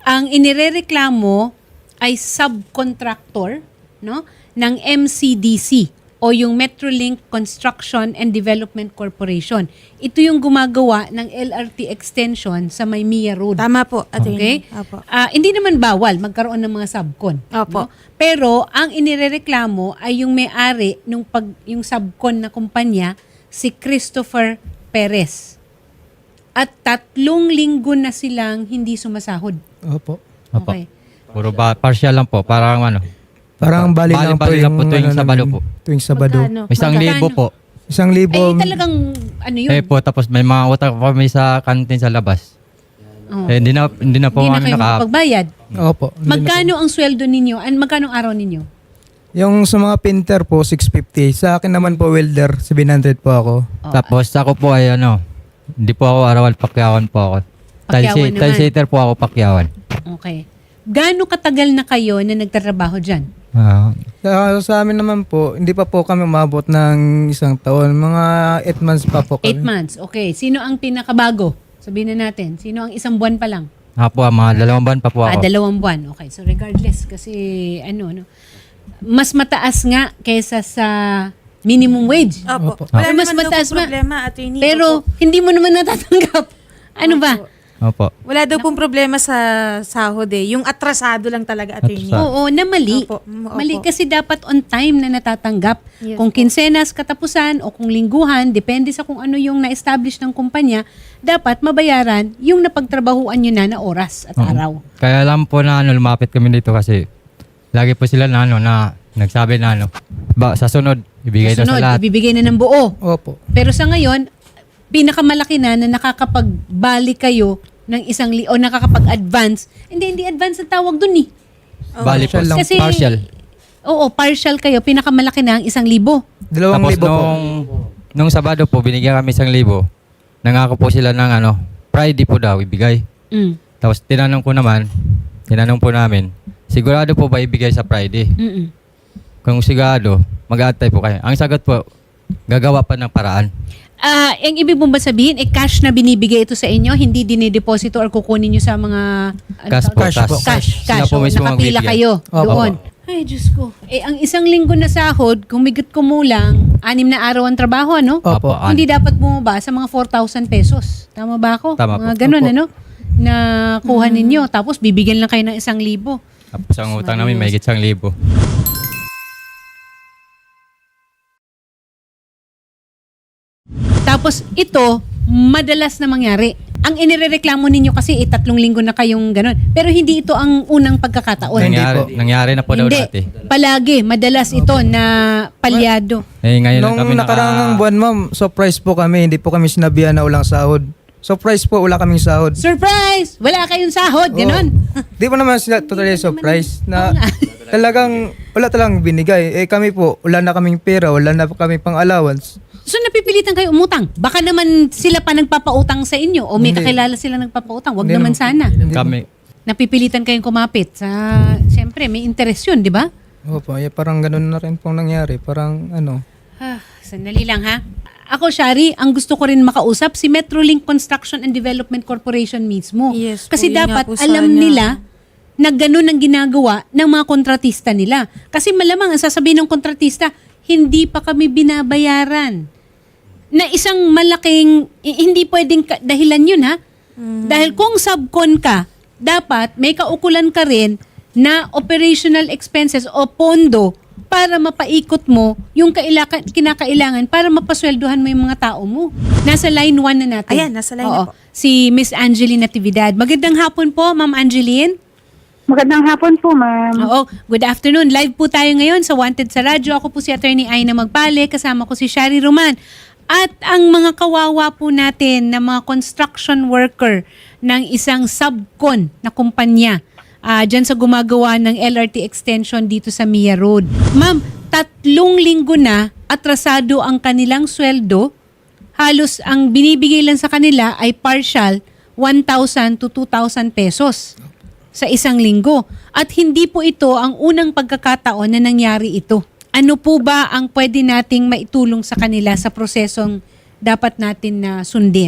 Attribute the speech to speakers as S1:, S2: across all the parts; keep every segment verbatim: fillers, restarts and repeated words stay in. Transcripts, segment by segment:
S1: ang inirereklamo ay subcontractor, no, ng M C D C o yung Metrolink Construction and Development Corporation. Ito yung gumagawa ng L R T extension sa Maymia Road.
S2: Tama po, attorney.
S1: Okay?
S2: Opo.
S1: Ah, hindi naman bawal magkaroon ng mga subcon.
S2: Opo.
S1: No? Pero ang inirereklamo ay yung may-ari nung pag yung subcon na kumpanya, si Christopher Perez. At tatlong linggo na silang hindi sumasahod.
S3: Opo.
S4: Opo.
S1: Okay.
S4: Puro ba, partial lang po. Parang ano.
S3: Parang bali, lang po
S4: Bali-bali
S3: yung,
S4: lang po tuwing
S3: ano
S4: Sabado
S3: namin,
S4: po.
S3: Tuwing Sabado.
S2: Magkano?
S4: Isang
S1: Magkano?
S4: libo po.
S3: Isang libo.
S1: Eh talagang ano yun?
S4: Eh po, tapos may mga utang pa kami sa kantin sa labas.
S1: Oh.
S4: Eh, hindi na, hindi na po
S1: Hindi na
S4: ano
S1: kayo
S4: naka...
S1: makapagbayad.
S3: Opo. hindi na
S1: Magkano ang sweldo ninyo? An magkano ang araw ninyo?
S3: po. Yung sa mga painter po, six fifty. Sa akin naman po, welder, seven hundred po ako.
S1: Oh,
S4: Tapos ako po ay ano, hindi po ako arawan, pakyawan po ako.
S1: Pakyawan naman.
S4: Tilesitter po ako, pakyawan.
S1: Okay. Gaano katagal na kayo na nagtatrabaho dyan?
S4: Ah,
S3: Sa, sa amin naman po, hindi pa po kami umabot ng isang taon. Mga eight months pa po kami.
S1: Eight months. Okay. Sino ang pinakabago? Sabihin na natin. Sino ang isang buwan pa lang?
S4: nga po, mga dalawang buwan pa po
S1: Ah,
S4: ako.
S1: dalawang buwan. Okay. So regardless, kasi ano, no, mas mataas nga kaysa sa minimum wage.
S2: Opo.
S3: Opo.
S2: Wala
S1: Ah. Mas
S2: naman daw
S1: mataas
S2: po
S1: ba?
S2: problema, attorney.
S1: Pero
S2: Opo.
S1: hindi mo naman natatanggap. Ano ba?
S2: Opo.
S4: Opo.
S2: Wala daw pong problema sa sahod eh. Yung atrasado lang talaga, attorney.
S4: Atrasado.
S1: Oo, na mali.
S2: Opo. Mm, opo.
S1: Mali kasi dapat on time na natatanggap.
S2: Yes
S1: kung
S2: po.
S1: kinsenas katapusan o kung lingguhan, depende sa kung ano yung na-establish ng kumpanya, dapat mabayaran yung napagtrabahuan nyo na na oras at
S4: Oo.
S1: araw.
S4: Kaya lang po na ano, lumapit kami dito kasi lagi po sila na ano, na nagsabi na ano, ba, sa sunod, ibigay daw
S1: Sunod,
S4: sa lahat.
S1: ibibigay na ng buo.
S3: Opo.
S1: Pero sa ngayon, pinakamalaki na na nakakapagbalik kayo ng isang li o nakakapag-advance. Hindi, hindi advance ang tawag dun eh.
S4: Bali po,
S3: Partial lang.
S1: Kasi,
S4: partial.
S1: Oo, partial kayo. Pinakamalaki na ang isang libo.
S3: Dalawang
S4: Tapos
S3: libo po.
S4: nung, nung Sabado po, binigyan kami isang libo. Nangako po sila ng ano, Friday po daw ibigay.
S1: Mm.
S4: Tapos tinanong ko naman, tinanong po namin, sigurado po ba ibigay sa Friday?
S1: Mm-mm.
S4: Kung sigurado, mag-aantay po kayo. Ang sagot po, gagawa pa ng paraan.
S1: Ah, ang ibig mong ba sabihin, eh, cash na binibigay ito sa inyo, hindi dinideposito or kukunin nyo sa mga... ano
S4: Cash
S1: tawag?
S4: po,
S3: Cash
S4: cash.
S3: po.
S1: Cash,
S4: Sila
S1: cash.
S4: po
S1: So,
S4: mismo ang
S1: nakapila
S4: bibigyan.
S1: kayo
S3: Opo.
S1: doon. Ay, Diyos ko. Eh, ang isang linggo na sahod, kung migot kumulang, anim na araw ang trabaho, ano?
S3: Opo.
S4: Opo.
S1: Hindi dapat bumaba sa mga four thousand pesos. Tama ba ako?
S4: Tama
S1: mga
S4: po.
S1: ganun,
S3: Opo.
S1: ano? Na kuha ninyo. Tapos bibigyan lang kayo ng isang libo.
S4: Tapos ang utang namin, may isang libo.
S1: Tapos ito, madalas na mangyari. Ang inirereklamo ninyo kasi eh, tatlong linggo na kayong ganun. Pero hindi ito ang unang pagkakataon.
S3: Hindi
S4: Nangyari,
S3: po.
S4: nangyari na po daw
S1: Hindi.
S4: dati.
S1: Palagi, madalas ito na palyado.
S4: Eh, ngayon lang
S3: Nung
S4: kami
S3: nakaraang
S4: naka...
S3: buwan, ma'am, surprise po kami. Hindi po kami sinabihan na walang sahod. Surprise po, wala kaming sahod.
S1: Surprise! Wala kayong sahod, ganon.
S3: Di po naman sila totally surprise na
S1: Oo nga.
S3: talagang wala talagang binigay. Eh kami po, wala na kaming pera, wala na kaming pang allowance.
S1: So napipilitan kayo umutang. Baka naman sila pa nagpapautang sa inyo o may
S3: Hindi.
S1: kakilala sila nagpapautang. Wag
S3: Hindi
S1: naman
S3: naman.
S1: sana.
S4: Kami,
S1: Napipilitan kayong kumapit sa... Siyempre, may interest yun, di ba?
S3: Opo, eh, parang ganun na rin pong nangyari. Parang ano,
S1: Ah, sandali lang ha. Ako, Shari, ang gusto ko rin makausap si Metrolink Construction and Development Corporation mismo.
S2: Yes po,
S1: Kasi
S2: yun nga
S1: dapat
S2: po
S1: alam
S2: sana.
S1: nila na ganun ang ginagawa ng mga kontratista nila. Kasi malamang ang sasabihin ng kontratista, hindi pa kami binabayaran. Na isang malaking, i- hindi pwedeng ka- dahilan yun ha. Dahil kung subcon ka, dapat may kaukulan ka rin na operational expenses o pondo para mapaikot mo yung kailaka, kinakailangan para mapasweldohan mo yung mga tao mo. Nasa line one na natin.
S2: Ayan, nasa line
S1: Oo.
S2: na po.
S1: Si Miss Angeline Natividad. Magandang hapon po, Ma'am Angeline.
S5: Magandang hapon po, ma'am.
S1: Oo, good afternoon. Live po tayo ngayon sa Wanted sa Radyo. Ako po si Attorney Aina Magpale, kasama ko si Shari Roman. At ang mga kawawa po natin na mga construction worker ng isang subcon na kumpanya uh, dyan sa gumagawa ng L R T extension dito sa Mia Road. Ma'am, tatlong linggo na atrasado ang kanilang sweldo. Halos ang binibigay lang sa kanila ay partial one thousand to two thousand pesos sa isang linggo. At hindi po ito ang unang pagkakataon na nangyari ito. Ano po ba ang pwede nating maitulong sa kanila sa prosesong dapat natin na sundin?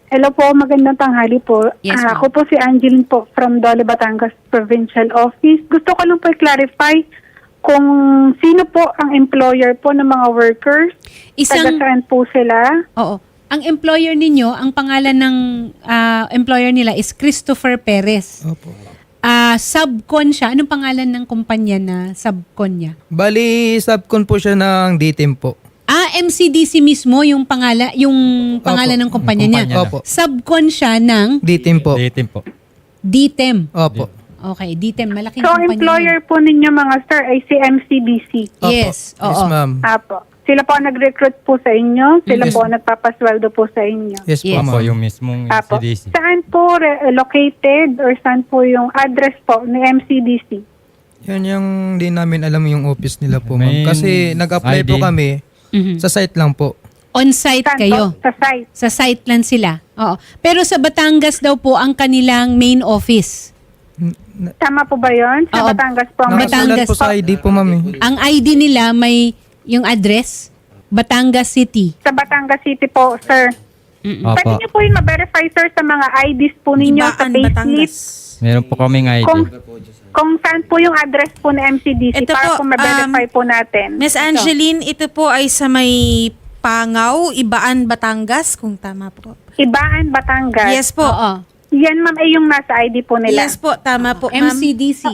S5: Hello po, magandang tanghali po.
S1: Yes,
S5: Ah,
S1: ma'am.
S5: ako po si Angeline po from Dole, Batangas Provincial Office. Gusto ko lang po i-clarify kung sino po ang employer po ng mga workers.
S1: Isang-
S5: Taga saan po sila?
S1: Oo. Ang employer ninyo, ang pangalan ng ah, employer nila is Christopher Perez.
S3: Opo.
S1: Ah, subcon siya. Anong pangalan ng kumpanya na subcon niya?
S3: Bali, subcon po siya ng D-Team po.
S1: Ah, M C D C mismo yung pangala, yung pangalan
S3: Opo.
S1: ng kumpanya
S4: Yung
S1: niya.
S4: kumpanya
S3: Opo.
S1: Subcon siya ng
S3: D-Team po.
S4: Dating po.
S1: D T E M.
S3: Opo.
S1: Okay, D T E M. Malaking
S5: So,
S1: kumpanya.
S5: employer po ninyo mga sir ay si M C D C.
S3: Opo.
S1: Yes, oo.
S3: Yes, ma'am.
S5: Apo. Sila po ang nag-recruit po sa inyo. Sila
S3: Yes.
S5: po ang nagpapasweldo po sa inyo.
S3: Yes,
S1: Yes.
S3: po,
S4: Ako
S3: ma'am.
S4: yung mismong
S5: Apo.
S4: C D C.
S5: Saan po re- located or saan po yung address po ni M C D C?
S3: Yan yung di namin alam yung office nila po,
S4: May
S3: ma'am. Kasi nag-apply
S4: I D.
S3: po kami
S1: Mhm.
S3: sa site lang po.
S1: On-site
S5: Saan
S1: kayo.
S5: po? Sa site.
S1: Sa site lang sila. Oo. Pero sa Batangas daw po ang kanilang main office.
S5: Tama po ba yun? Sa
S1: Oo.
S5: Batangas po ang
S1: Batangas
S3: Nakasulat po sa I D po, ma'am. eh.
S1: Ang I D nila may yung address, Batangas City.
S5: Sa Batangas City po, sir. Pwede
S4: Opo.
S5: niyo po yung ma-verify, sir, sa mga I Ds po ninyo sa
S2: Ibaan,
S5: payslip.
S2: Batangas.
S4: Meron po kaming I D.
S5: Kung, kung saan po yung address po ni M C D C
S2: Ito
S5: para
S2: po,
S5: po ma-verify
S2: um,
S5: po natin.
S2: Miss Angeline, ito po ay sa may Pangaw, Ibaan, Batangas, kung tama po.
S5: Ibaan, Batangas.
S2: Yes po.
S1: Oo.
S5: Yan, ma'am, ay yung nasa I D po nila.
S2: Yes po, tama po,
S1: M
S2: ma'am.
S1: C D C.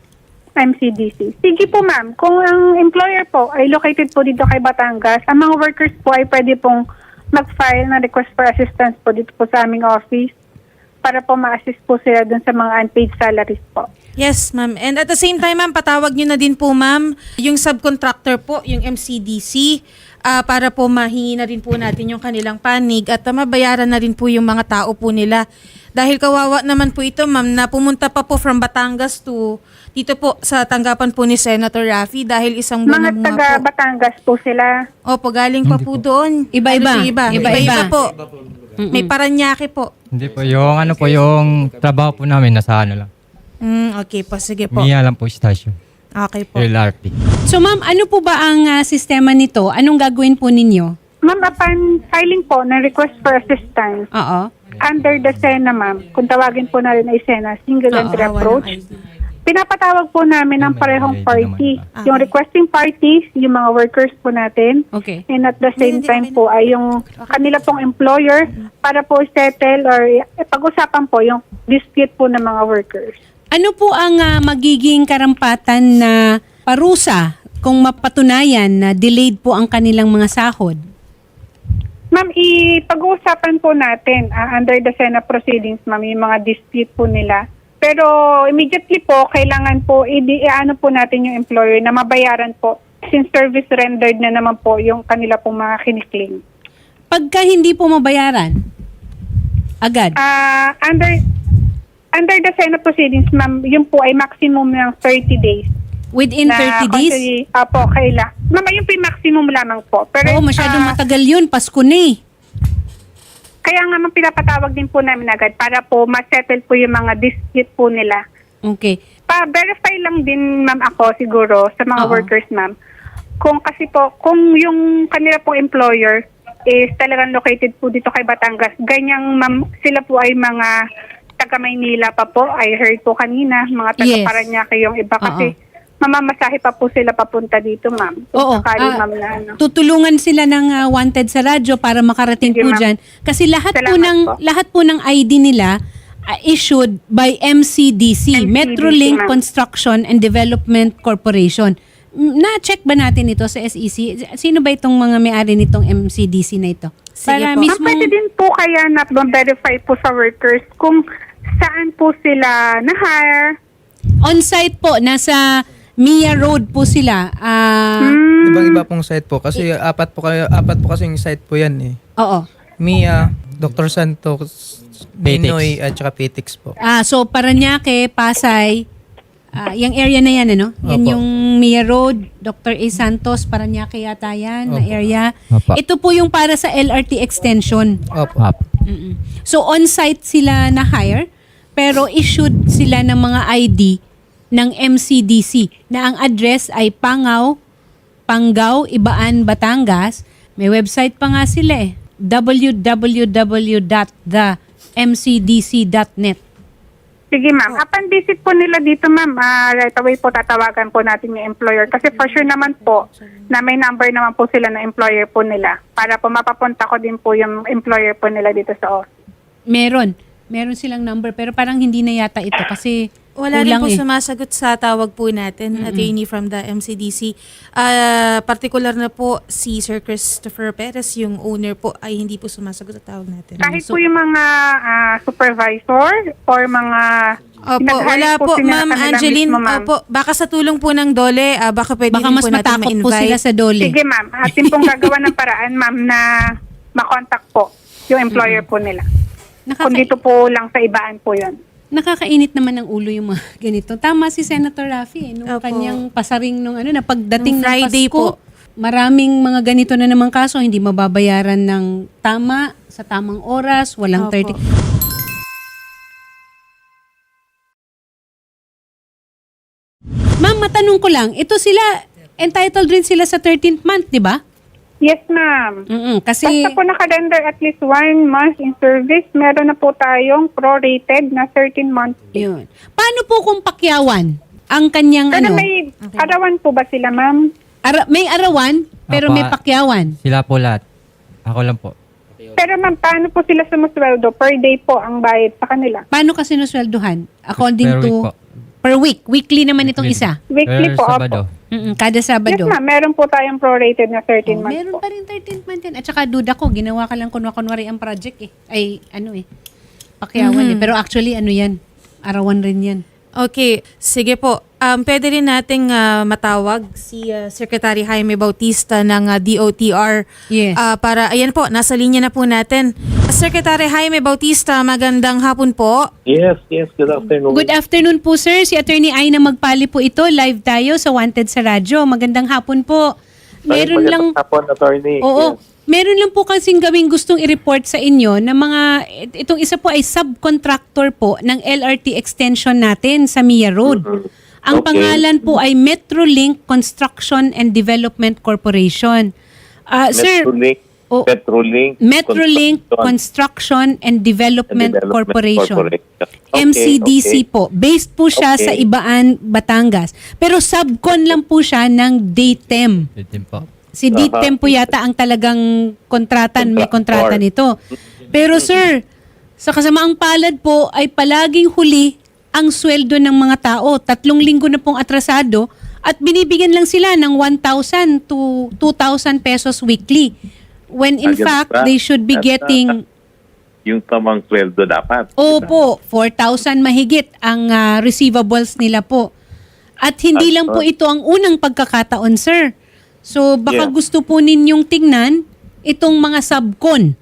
S5: M C D C. Sige po, ma'am. Kung ang employer po ay located po dito kay Batangas, ang mga workers po ay pwede pong mag-file ng request for assistance po dito po sa aming office para po ma-assist po sila dun sa mga unpaid salaries po.
S2: Yes, ma'am. And at the same time, ma'am, patawag nyo na din po, ma'am, yung subcontractor po, yung M C D C, ah, para po mahingi na rin po natin yung kanilang panig at ah, mabayaran na rin po yung mga tao po nila. Dahil kawawa naman po ito, ma'am, na pumunta pa po from Batangas to dito po sa tanggapan po ni Senator Raffy dahil isang buwan
S5: Mga
S2: na
S5: taga
S2: mga po.
S5: Batangas po sila.
S2: Opo, galing pa po doon.
S1: Iba-iba.
S2: Ano, iba.
S1: Iba-iba.
S2: Iba-iba po. May Paranaque po.
S4: Hindi po. Yung ano po, yung trabaho po namin nasa ano lang.
S2: Mm, okay po, sige po.
S4: Mia lang po station.
S2: Okay po.
S4: L R T.
S1: So ma'am, ano po ba ang ah, sistema nito? Anong gagawin po ninyo?
S5: Ma'am, upon filing po ng request for assistance,
S1: Oo.
S5: under the SENA, ma'am, kung tawagin po na rin ay SENA, Single
S1: Oo,
S5: Entry
S2: walang
S5: Approach,
S2: I D.
S5: pinapatawag po namin ng parehong
S4: May I D
S5: party.
S4: naman
S2: ba?
S5: Yung requesting parties, yung mga workers po natin,
S1: Okay.
S5: and at the same
S2: Hindi,
S5: time
S2: hindi.
S5: po ay yung kanila pong employer para po settle or eh, pag-usapan po yung dispute po ng mga workers.
S1: Ano po ang ah, magiging karampatan na parusa kung mapatunayan na delayed po ang kanilang mga sahod?
S5: Ma'am, ipag-uusapan po natin ah, under the SENA proceedings, ma'am, yung mga dispute po nila. Pero immediately po, kailangan po, i- ano po natin yung employer na mabayaran po since service rendered na naman po yung kanila pong mga kiniklaim.
S1: Pagka hindi po mabayaran, agad.
S5: Ah, under under the SENA proceedings, ma'am, yun po ay maximum ng thirty days.
S1: Within
S5: na
S1: thirty days?
S5: constantly- Apo, kaila. Ma'am, yun po yung maximum lamang po. Pero,
S1: Oo, masyadong
S5: ah,
S1: matagal yun. Pasko na eh.
S5: kaya nga ma'am, pinapatawag din po namin agad para po ma-settle po yung mga dispute po nila.
S1: Okay.
S5: Pa-verify lang din, ma'am, ako siguro sa mga
S1: Oo.
S5: workers, ma'am. Kung kasi po, kung yung kanila po employer is talagang located po dito kay Batangas, ganyang, ma'am, sila po ay mga taga Maynila pa po. I heard po kanina, mga taga
S1: Yes.
S5: Paranaque yung iba
S1: Oo.
S5: kasi mamamasahe pa po sila papunta dito, ma'am. Kung
S1: Oo.
S5: sakali,
S1: ah,
S5: ma'am, na ano.
S1: tutulungan sila ng ah, wanted sa radyo para makarating
S5: Sige,
S1: po
S5: ma'am.
S1: dyan. Kasi lahat po
S5: Salamat
S1: ng
S5: po.
S1: lahat po ng I D nila ah, issued by M C D C,
S5: M C D C,
S1: Metrolink
S5: ma'am.
S1: Construction and Development Corporation. M- Na-check ba natin ito sa S E C? Sino ba itong mga may-ari nitong M C D C na ito?
S2: Sige
S1: Para
S2: po.
S5: Ma'am,
S1: mismo
S5: pwede din po kaya na verify po sa workers kung saan po sila na-hire.
S1: on-site po, nasa Mia Road po sila. Ah,
S5: Hmm.
S3: Ibang-iba pong site po. Kasi apat po kayo, apat po kasi yung site po yan eh.
S1: Oo.
S3: Mia, Doctor Santos,
S4: Petix.
S3: Ninoy, at saka Petix po.
S1: Ah, so Paranaque, Pasay, ah, yung area na yan, ano? Yan
S3: Opo.
S1: yung Mia Road, Doctor A. Santos, Paranaque yata yan, na
S3: Opo.
S1: area.
S4: Opo.
S1: Ito po yung para sa L R T extension.
S3: Opo.
S4: Up.
S1: Mm-mm. So on-site sila na hire, pero issued sila ng mga I D ng M C D C na ang address ay Pangaw, Pangaw, Ibaan, Batangas. May website pa nga sila eh. w w w dot the m c d c dot net.
S5: Sige ma'am, upon visit po nila dito ma'am, ah, right away po tatawagan po natin yung employer kasi for sure naman po na may number naman po sila na employer po nila para po mapapunta ko din po yung employer po nila dito sa office.
S1: Meron. Meron silang number pero parang hindi na yata ito kasi
S2: Wala rin
S1: kulang
S2: po
S1: eh.
S2: sumasagot sa tawag po natin, attorney from the M C D C. Ah, particular na po si Sir Christopher Perez, yung owner po, ay hindi po sumasagot sa tawag natin.
S5: Kahit
S1: So-
S5: po yung mga ah, supervisor or mga
S2: Opo,
S5: pinag-hire
S2: wala po,
S5: sila
S2: Ma'am
S5: kanila
S2: Angeline.
S5: mismo, ma'am.
S2: Opo, baka sa tulong po ng Dole, ah, baka pwede
S1: Baka
S2: rin
S1: mas
S2: po natin
S1: matakot po
S2: ma-invite.
S1: sila sa dole.
S5: Sige ma'am, atin pong gagawa ng paraan ma'am na makontak po yung employer po nila.
S1: Nakaka-
S5: Kung dito po lang sa ibaan po yun.
S1: Nakakainit naman ng ulo yung mga ganito. Tama si Senator Raffy eh, nung
S2: Opo.
S1: kanyang pasaring nung ano na pagdating
S2: Nung
S1: ng
S2: Friday
S1: Pasko,
S2: po.
S1: maraming mga ganito na namang kaso hindi mababayaran ng tama sa tamang oras, walang
S2: Opo.
S1: thirty. Ma'am, matanong ko lang, ito sila entitled rin sila sa thirteenth month, di ba?
S5: Yes ma'am.
S1: Mm kasi
S5: Basta po nakarender at least one month in service, meron na po tayong prorated na thirteen months.
S1: yun. Paano po kung pakyawan ang kanyang
S5: Pero
S1: ano?
S5: may arawan po ba sila ma'am?
S1: Ara- may arawan, pero
S4: Apa.
S1: may pakyawan.
S4: Sila po lahat. Ako lang po.
S5: Pero ma'am, paano po sila sumusweldo? Per day po ang bayad sa kanila.
S1: Paano kasi nuswelduhan? According
S4: Per
S1: to...
S4: week po.
S1: Per week. Weekly naman itong
S4: Weekly.
S1: isa.
S5: Weekly
S4: Per
S5: po,
S4: Sabado.
S5: opo.
S1: Mm-mm, kada
S5: Yes
S1: Sabado.
S5: ma'am, meron po tayong prorated na thirteen
S1: Oh,
S5: months
S1: meron
S5: po.
S1: pa rin thirteenth month yan. At saka duda ko, ginawa ka lang kunwa-kunwari ang project eh. Ay, ano eh. Pakyawan eh. Pero actually, ano yan? Arawan rin yan.
S2: Okay, sige po. Um, pwede rin nating ah, matawag si ah, Secretary Jaime Bautista ng ah, D O T R.
S1: Yes.
S2: Ah, para, ayan po, nasa linya na po natin. Secretary Jaime Bautista, magandang hapon po.
S6: Yes, yes. Good afternoon.
S1: Good afternoon po, sir. Si Attorney Aina Magpali po ito. Live tayo sa Wanted sa Radyo. Magandang hapon po. Meron
S6: Ay,
S1: lang...
S6: magandang hapon, attorney.
S1: Oo.
S6: Yes.
S1: Meron lang po kasing gawing gustong i-report sa inyo na mga, itong isa po ay subcontractor po ng L R T extension natin sa Mia Road. Ang
S6: Okay.
S1: pangalan po ay Metrolink Construction and Development Corporation. Ah, sir,
S6: Metrolink,
S1: oh,
S6: Metrolink,
S1: Metrolink Construction and Development,
S6: Development
S1: Corporation.
S6: Corporation.
S1: M C D C
S6: Okay, okay.
S1: po. Based po siya
S6: Okay.
S1: sa Ibaan, Batangas. Pero subcon lang po siya ng DayTem.
S4: Itim po.
S1: Si DayTem po yata ang talagang kontratan, may kontrata nito. Pero sir, sa kasamaang palad po ay palaging huli ang sweldo ng mga tao. Tatlong linggo na pong atrasado at binibigyan lang sila ng one thousand to two thousand pesos weekly. When in
S6: Agad
S1: fact,
S6: ba?
S1: they should be
S6: At,
S1: getting,
S6: Yung tamang sweldo dapat.
S1: opo, four thousand mahigit ang ah, receivables nila po. At hindi
S6: At,
S1: lang po
S6: ah,
S1: ito ang unang pagkakataon, sir. So baka
S6: Yeah.
S1: gusto po ninyong tingnan itong mga subcon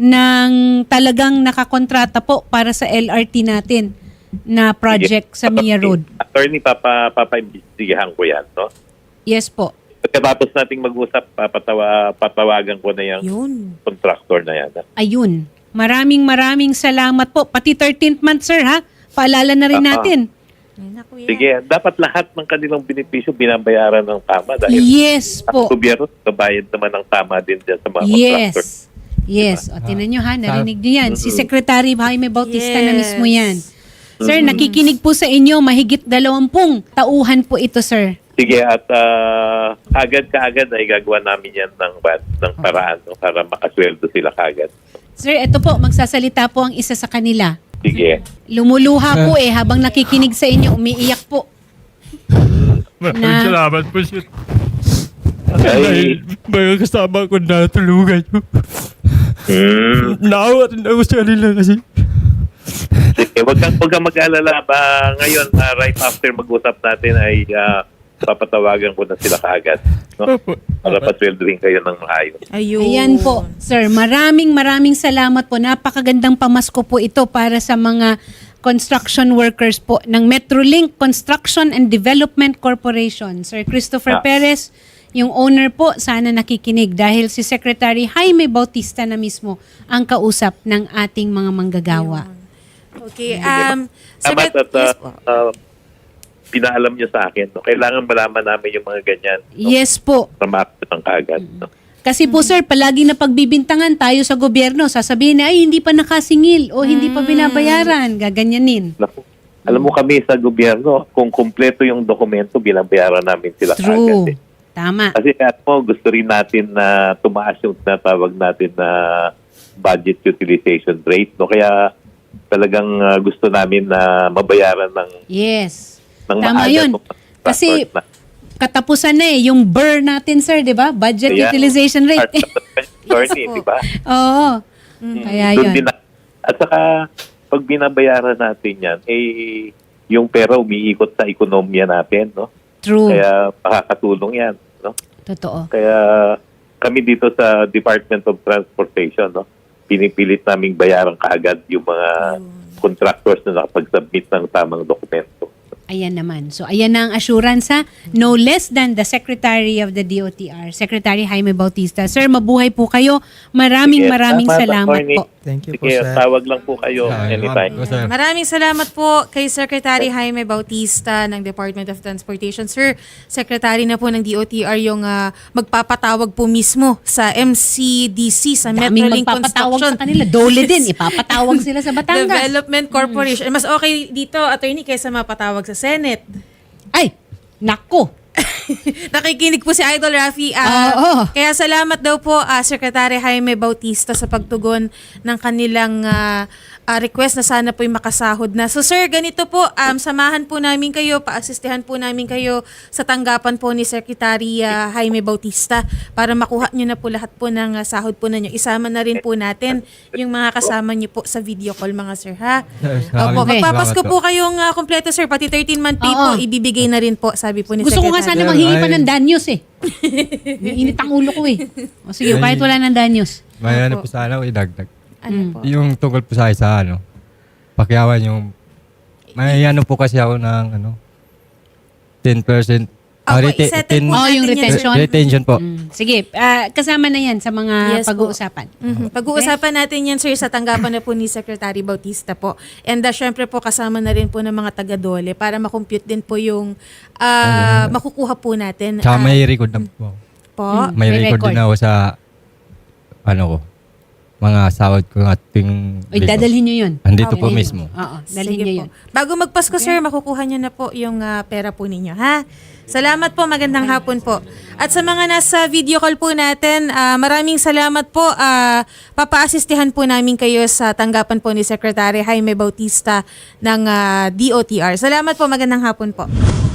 S1: ng talagang nakakontrata po para sa L R T natin na project sa Mia Road.
S6: Attorney, papa, papaimbestigahan ko yan, no?
S1: Yes po.
S6: Pagkatapos nating mag-usap, papatawa, patawagan ko na yung
S2: Yun.
S6: contractor na yan.
S1: Ayun. Maraming maraming salamat po. Pati thirteenth month, sir, ha? Paalala na rin
S6: Ah, ah.
S1: natin.
S2: Ay, naku, yan.
S6: Sige, dapat lahat ng kanilang benepisyo binabayaran ng tama dahil
S1: Yes
S6: ang
S1: po.
S6: gobyerno kabayad naman ng tama din dyan sa mga contractor.
S1: Yes. Yes. O, tinan nyo ha, narinig nyo yan. Si
S6: Mm-hmm.
S1: Secretary Jaime Bautista na
S2: Yes.
S1: mismo yan. Sir, nakikinig po sa inyo, mahigit dalawampung tauhan po ito, sir.
S6: Sige, at ah, agad kaagad ay gagawa namin yan ng, ng paraan no, para makasweldo sila kaagad.
S1: Sir, ito po, magsasalita po ang isa sa kanila.
S6: Sige.
S1: Lumuluha po eh, habang nakikinig sa inyo, umiiyak po.
S4: Maraming
S1: Na-
S4: salamat po siya.
S6: Ay,
S4: Mga kasama ko natulungan nyo.
S6: mm,
S4: Naawa rin ako sa kanila kasi.
S6: sige, wag kang, wag kang mag-alala ba ngayon, ah, right after mag-usap natin ay ah, papatawagan ko na sila kaagad. No?
S4: Opo.
S6: Para pasweldohin kayo ng maayos.
S2: Ayun.
S1: Ayan po, sir. Maraming maraming salamat po. Napakagandang pamasko po ito para sa mga construction workers po ng Metrolink Construction and Development Corporation. Sir Christopher
S6: Ah.
S1: Perez, yung owner po, sana nakikinig dahil si Secretary Jaime Bautista na mismo ang kausap ng ating mga manggagawa.
S2: Okay. Um,
S6: Dapat
S2: Secret-
S6: at ah,
S2: yes po.
S6: ah, pinaalam niyo sa akin. No? Kailangan malaman namin yung mga ganyan. No?
S1: Yes po.
S6: Para ma-action ng kaagad. No?
S1: Kasi po sir, palagi na pagbibintangan tayo sa gobyerno, sasabihin na ay hindi pa nakasingil o hindi pa binabayaran, gaganyanin.
S6: Naku, alam mo kami sa gobyerno, kung kumpleto yung dokumento, binabayaran namin sila
S1: True.
S6: kaagad. Eh.
S1: Tama.
S6: Kasi at mo, gusto rin natin na tumaas yung tinatawag natin na budget utilization rate. No? Kaya talagang uh, gusto namin na mabayaran ng,
S1: Yes.
S6: ng
S1: Tama
S6: maaga
S1: yun.
S6: itong
S1: Kasi
S6: contractors na.
S1: katapusan na eh, yung B R natin sir, di ba? Budget
S6: Kaya,
S1: utilization rate.
S6: attorney, di ba?
S1: Oo. Kaya
S6: Doon
S1: yun.
S6: din na- at saka, pag binabayaran natin yan, eh, yung pera umiikot sa ekonomiya natin, no?
S1: True.
S6: Kaya makakatulong yan, no?
S1: Totoo.
S6: Kaya kami dito sa Department of Transportation, no, pinipilit naming bayaran kaagad yung mga contractors na nakapag-submit ng tamang dokumento.
S1: Ayan naman. So, ayan na ang assurance ha. No less than the Secretary of the D O T R, Secretary Jaime Bautista. Sir, mabuhay po kayo. Maraming
S6: Sige,
S1: maraming
S6: salamat,
S1: salamat
S6: attorney.
S1: po.
S3: Thank you
S6: Sige,
S3: po, sir.
S6: tawag lang po kayo
S4: Ah,
S6: anytime.
S4: salamat po, sir.
S2: Maraming salamat po kay Secretary Jaime Bautista ng Department of Transportation. Sir, Secretary na po ng D O T R yung ah, magpapatawag po mismo sa M C D C, sa
S1: Daming
S2: Metrolink
S1: magpapatawag
S2: Construction
S1: sa kanila. Dole din. Ipapatawag sila sa Batangas.
S2: Development Corporation. Mas okay dito, attorney, kaysa mapatawag sa Senate.
S1: Ay, nako.
S2: Nakikinig po si Idol Rafi. Ah,
S1: Oo.
S2: Kaya salamat daw po ah, Secretary Jaime Bautista sa pagtugon ng kanilang ah, ah, request na sana po'y makasahod na. So sir, ganito po, um, samahan po namin kayo, paasistihan po namin kayo sa tanggapan po ni Secretary ah, Jaime Bautista para makuha nyo na po lahat po ng ah, sahod po ninyo. Isama na rin po natin yung mga kasama nyo po sa video call mga sir ha. Opo,
S1: Okay.
S2: magpapasko
S4: Salamat
S2: po kayong uh, kompleto sir, pati thirteen month pay
S1: Oo.
S2: po, ibibigay na rin po, sabi po ni
S1: Gusto ko nga
S2: Secretary.
S1: sana manghingi pa
S4: Ay.
S1: ng danyos eh. Init ang ulo ko eh. O sige, kahit wala ng danyos.
S4: May ano po sana ako idagdag.
S2: Ano po?
S4: Yung tungkol po sa isa, ano, pakyawan yung, may ano po kasi ako ng, ano, ten percent.
S2: Opo,
S4: rete-
S2: isettle po
S1: Oh, yung
S2: natin yan, sir.
S1: retention.
S4: retention po.
S1: Mm. Sige, ah, kasama na yan sa mga
S2: Yes po.
S1: pag-uusapan.
S2: Mhm. Pag-uusapan natin yan, sir, sa tanggapan na po ni Secretary Bautista po. And uh, syempre po, kasama na rin po ng mga taga-dole para makompute din po yung ah, makukuha po natin.
S4: Tsaka
S2: Ah,
S4: may record na po.
S2: po.
S1: Mm.
S4: May,
S1: May
S4: record,
S1: record.
S4: din ako sa, ano ko, mga sahod ko ng ating
S1: Uy, dadalhin nyo yun.
S4: Andito po
S1: Dalhin
S4: mismo.
S1: nyo. Oo, dalhin
S2: Sige
S1: nyo
S2: po.
S1: yun.
S2: Bago magpasko, sir, makukuha nyo na po yung ah, pera po ninyo, ha? Salamat po, magandang hapon po. At sa mga nasa video call po natin, ah, maraming salamat po. Ah, papaasistihan po namin kayo sa tanggapan po ni Secretary Jaime Bautista ng ah, D O T R. Salamat po, magandang hapon po.